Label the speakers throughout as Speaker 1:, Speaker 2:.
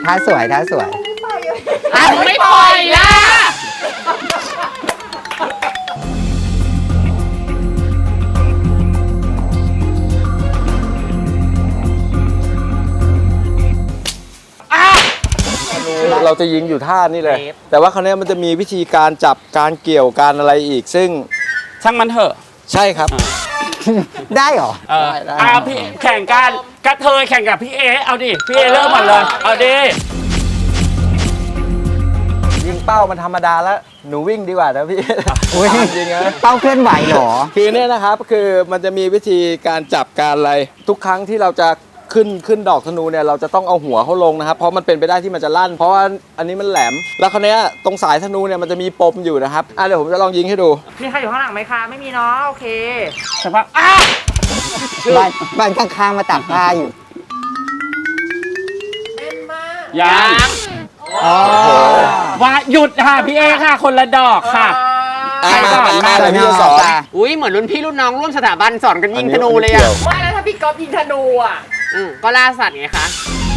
Speaker 1: ท่าสวยท่าสวย
Speaker 2: ไม่ปล่อยล่ะ
Speaker 3: เราจะยิงอยู่ท่านี่เลย แต่ว่าคราวนี้มันจะมีวิธีการจับการเกี่ยวการอะไรอีกซึ่ง
Speaker 2: ช่างมันเถอะ
Speaker 3: ใช่ครับ
Speaker 1: ได้เหรอ
Speaker 3: ได้
Speaker 2: พี่แข่งกันกระเทยแข่งกับพี่เอเอาดิพี่เอเริ่มก่อนเลยเอาดิ
Speaker 3: ยิงเป้ามันธรรมดาแล้วหนูวิ่งดีกว่านะพี่
Speaker 1: อุ๊ย
Speaker 3: จริงๆนะ
Speaker 1: เป้าเคลื่อนไหวเหรอ
Speaker 3: คือเนี่ยนะครับคือมันจะมีวิธีการจับการอะไรทุกครั้งที่เราจะขึ้นดอกธนูเนี่ยเราจะต้องเอาหัวเขาลงนะครับเพราะมันเป็นไปได้ที่มันจะลั่น เพราะว่าอันนี้มันแหลม แล้วคราวเนี้ยตรงสายธนูเนี่ยมันจะมีปมอยู่นะครับเดี๋ยวผมจะลองยิงให้ดู
Speaker 4: มีใครอยู่ข้างหลังไหมคะ ไม่มีเนาะโอเค
Speaker 2: แต่ว่า
Speaker 1: บ้านข้างๆมาตักผ้าอยู่
Speaker 2: ยัง
Speaker 1: อ๋อ
Speaker 2: ว่าหยุดค่ะพี่เอค่ะคนละดอกค่ะ
Speaker 3: มาเลยพี่จะสอน
Speaker 5: อุ้ยเหมือนรุ่นพี่รุ่นน้องร่วมสถาบันสอนกันยิงธนูเลยอ่ะ
Speaker 4: ว่าแล้วถ้าพี่ก๊อฟยิงธนูอ่ะ
Speaker 5: ก็ล่าสัตว์ไงคะ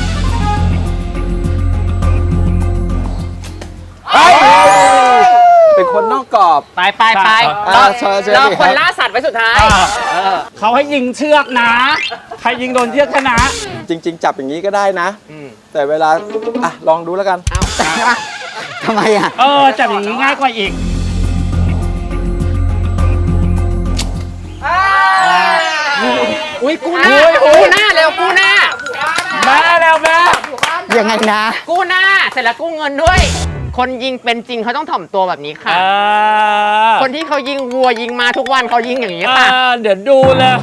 Speaker 3: เป็นคนนอกกรอบ
Speaker 5: ไปไปไป
Speaker 3: เชิญ
Speaker 5: รอ
Speaker 3: ดิ
Speaker 5: คน
Speaker 3: รับ
Speaker 5: ล่าสัตว์ไว้สุดท้าย
Speaker 2: เขาให้ยิงเชือกนะ ใครยิงโดนเชือกชนะ
Speaker 3: จริง ๆ จับอย่างนี้ก็ได้นะแต่เวลาลองดูแล้วกัน
Speaker 1: ทำไมอ่ะ
Speaker 2: จับอย่างนี้ง่ายกว่าอีก
Speaker 5: อุ้ยกู้หน้าเร็วกู้หน้า
Speaker 2: แม่แล้วแม่
Speaker 1: ยังไงนะ
Speaker 5: กู้หน้าเสร็จแล้วกู้เงินด้วย คนยิงเป็นจริงเขาต้องถ่อมตัวแบบนี้ค่ะ คนที่เขายิงวัวยิงมาทุกวันเขายิงอย่างนี้ค่ะ
Speaker 2: เดี๋ยวดูเลย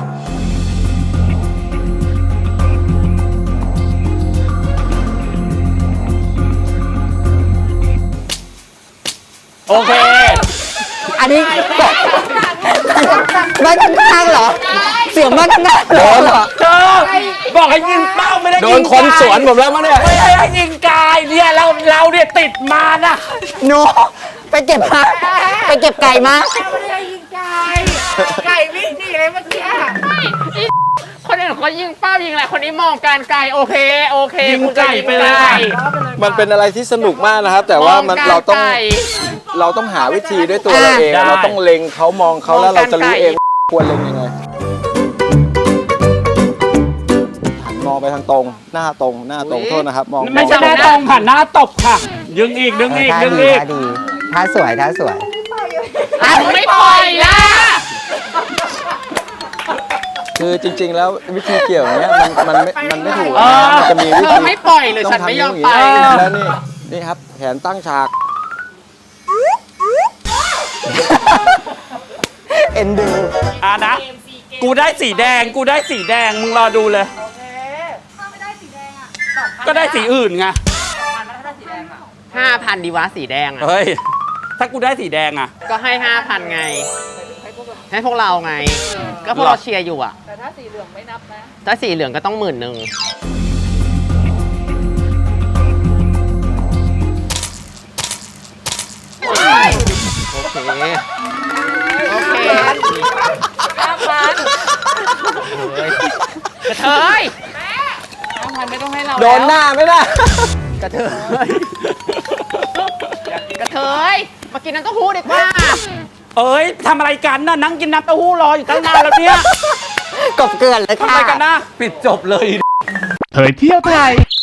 Speaker 2: โอเค
Speaker 1: อันนี้บ้านข้างๆเหรอ เสียงบ้านข้างๆเหรอ
Speaker 2: เธอบอกให้ยิงเป้าไม่ได้ยิง
Speaker 3: โดนคนสวนผมแล้วมั้งเนี่ย
Speaker 2: ไม่ให้ยิงกายเนี่ยเราเนี่ยติดมานะ
Speaker 1: โนไปเก็บมาไปเก็บไก่มา
Speaker 4: ไม่ได้ยิงไก่ ไก่วิ่งหนีเลยเมื่อกี้
Speaker 5: คนอื่นเขายิงเป้ายิงอะไรคนนี้มองการไกลโอเค
Speaker 2: ยิง
Speaker 5: คุณจะ
Speaker 2: ไก่ไปเลย
Speaker 5: ไก่
Speaker 3: มันเป็นอะไรที่สนุกมากนะครับ แต่ว่ามัน
Speaker 5: มองการ
Speaker 3: เราต้อง
Speaker 5: ไก่
Speaker 3: หาวิธีด้วยตัวเราเองเราต้องเล็งเขามองเขาแล้วเราจะรู้เองควรเล็งยังไงหันมองไปทางตรงหน้าตรงโทษนะครับมอง
Speaker 2: ไม่ใช่หน้าตรงผ่านหน้าตบค่ะ ดึงอีก
Speaker 1: ท่าดีท่าสวยท่าสวย
Speaker 5: ไม่ปล่อยล่ะ
Speaker 3: คือจริง ๆ แล้ววิธีเกี่ยวอย่างเนี้ยมันไม่ถูก
Speaker 2: เออ
Speaker 3: มันจะมีวิ
Speaker 5: เธ
Speaker 3: ธี
Speaker 5: อไม่ปล่อยหรือฉันไม่ยอมไป
Speaker 3: แล้วนี่ครับแขนตั้งฉาก
Speaker 1: เอ็นดู
Speaker 2: นะ กูได้สีแดงมึงรอดูเลย
Speaker 4: โอเค ถ้าไม่ได้สีแดงอ่ะ
Speaker 2: ก็ได้สีอื่นไง
Speaker 5: 5,000ดีวะสีแดงอ่ะ
Speaker 2: เฮ้ย ถ้ากูได้สีแดงอ่ะ
Speaker 5: ก็ให้ 5,000 ไง ให้พวกเราไง ก็พวกเราเชียร์อยู่อ่ะ
Speaker 4: แต่ถ้าสีเหลืองไม่นับนะ
Speaker 5: ถ้าสีเหลืองก็ต้อง10,000โอเค โอเค
Speaker 4: 5,000
Speaker 5: กระเทย
Speaker 4: 5,000ไม่ต้องให้เรา
Speaker 3: โดนหน้าไม่ได้
Speaker 5: กระเทย กระเทย มากินน้ำเต้าหู้ดีกว่า
Speaker 2: เอ้ยทำอะไรกันน่ะนั่งกินน้ำเต้าหู้รออยู่ตั้งนานแล้วเนี่ย
Speaker 1: กบเกลื่อนเลย
Speaker 2: ทำ
Speaker 1: ค่ะ
Speaker 2: อะไรกันนะปิดจบเลย
Speaker 6: เผยเที่ยวไทย